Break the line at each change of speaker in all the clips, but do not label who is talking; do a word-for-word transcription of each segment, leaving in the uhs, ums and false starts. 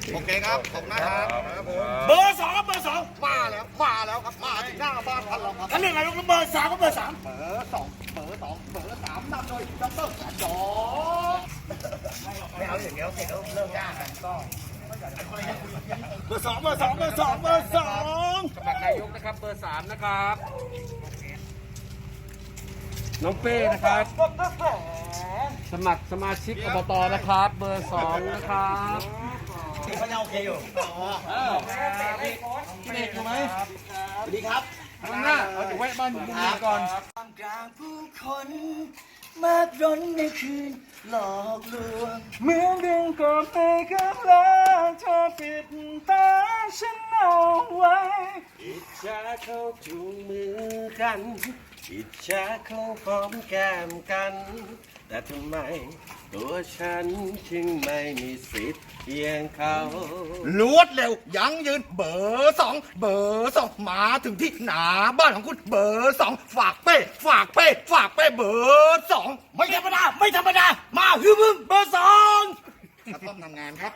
โอเคครับขอบคุณนะครับเบอร์สองเบอร์สองมาแล้วมาแล้วครับมาถึงหน้าบ้านท่านแล้วครับท่านเรื่องอะไรครับเบอร์สามก็เบอร์สามเบอร์สองเบอร์สองเบอร์สามนำโดยดรจอไม่เอาอย่างเดียวเสร็จแล้วเริ่มยากกันก็เบอร์สองเบอร์สองเบอร์สองเบอร์สอง
สมัครนายกนะครับเบอร์สามนะครับน้องเป้นะครับสมัครสมาชิกอบตนะครับเบอร์สองนะครับ
ที่เขาโอเคอยู่พี่เด็กอยู่ไหมสวัสดีครับ
ข้างหน้าเราจะแวะบ้านบุญมีก่อน
กลางผู้คนมากร้นในคืนหลอกลวง
เหมือนดึงกบไปกับลาเธอปิดตาฉันเอาไว้อิจฉาเขาจูงมือกันอิจฉาเขาหอมแก้มกันแต่ทำไมตัวฉันจึงไม่มีสิทธิ์เพียงเขา
รวดเร็วยังยืนเบอร์สองเบอร์สองมาถึงที่หน้าบ้านของคุณเบอร์สองฝากเป้ฝากเป้ฝากเป้เบอร์สองไม่ธรรมดาไม่ธรรมดามาฮึมึงเบอร์สองกระท่อมทำงานครับ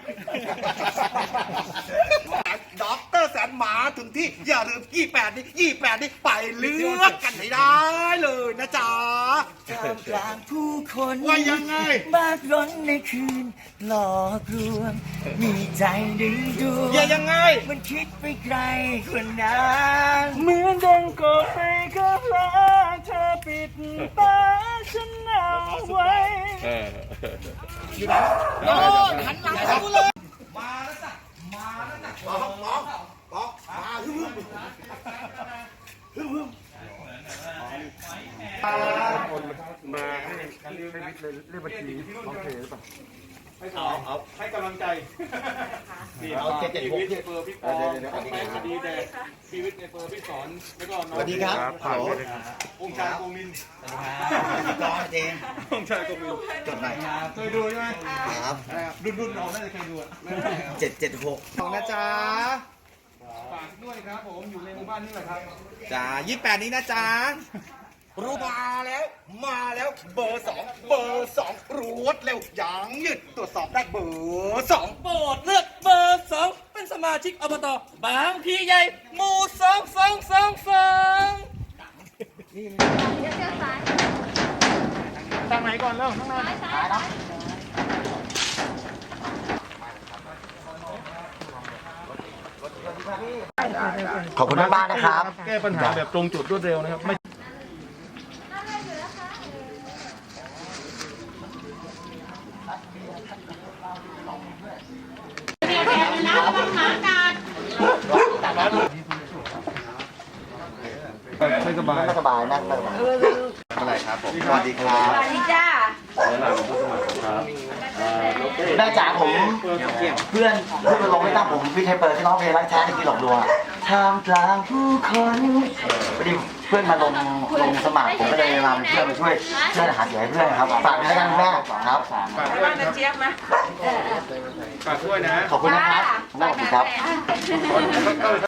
ด็อกเตอร์แสนมาถึงที่อย่าลืมยี่แปดนี่ยี่แปดนี่ไปเลือกกันให้ได้เลยนะจ๊ะกลางผู้คนว่ายังไงมากร้นในคืนหลอกลวงมีใจดึงดูอย่ายังไงมันคิดไปไกลกว่านั้น
เหมือนดังกดไปกับลาเธอปิดตาฉันเอาไว้
อยู่ไหนโน่นหันหลังให้กูเลยมาแล้วจ้ะมาแล้วจ้ะปองปองปองมาฮึ่มฮึ่มฮึ่ม
คนมาให้ให้วิทย์เลยเรียกบัญชีน้องเพย์หรือเปล่า
เอาเอา
ให้กำลังใจ
เอาเจ็ดเจ็ดหก
เฟอร์พี่ปองไปคดีแดงชีวิตในเฟอร์พี่สอนแล้วก็น้อง
สวัสดีครับ
ผ่านไปเลยครับองค์ชายกงมิน
สวัสดีครับจอเจง
องค์ชายกงมิน
จดหน่อย
เคยดูใช่ไหม
ครับ
รุ่นรุ่นน้องน่าจะเคยดู
เจ็ดเจ็ดหกของนะจ๊ะ
ฝากด้วยครับผมอยู่ในหมู่บ้านนี่แหละครับ
จ้ายี่แปดนี้นะจ๊ะรู้มาแล้วมาแล้วเบอร์สองเบอร์สองรวดเร็วยังยืดตรวจสอบได้เบอร์สอง
โปรดเลือกเบอร์สองเป็นสมาชิกอบตบางพีใหญ่หมู่สองสองสองสอง
ทางไหนก่อนเริ่มข้างหน้า
ขอบคุณมากนะครับ
แก้ปัญหาแบบตรงจุดรวดเร็วนะครับไม่ไม่สบาย
ไม่สบายนั่งไม่สบายอะไรครับผมสวัสดีครับ
สวัสดีจ้า
แม่จ๋าผมเพื่อนเพื่อนมาลงไม่ตั้งผมพี่ไทยเปิดที่น้องเพลงรักแท้ที่หลอกลวงท่ามกลางผู้คนพอดีเพื่อนมาลงลงสมัครผมก็เลยมาเป็นเพื่อนมาช่วยช่วยหาเสียงให้เพื่อนครับฝากด้วยกันแม่ครับ
ฝากด้วยนะเจี๊ยบนะฝากด้วยนะ
ขอบคุณนะครับขอบคุณครับ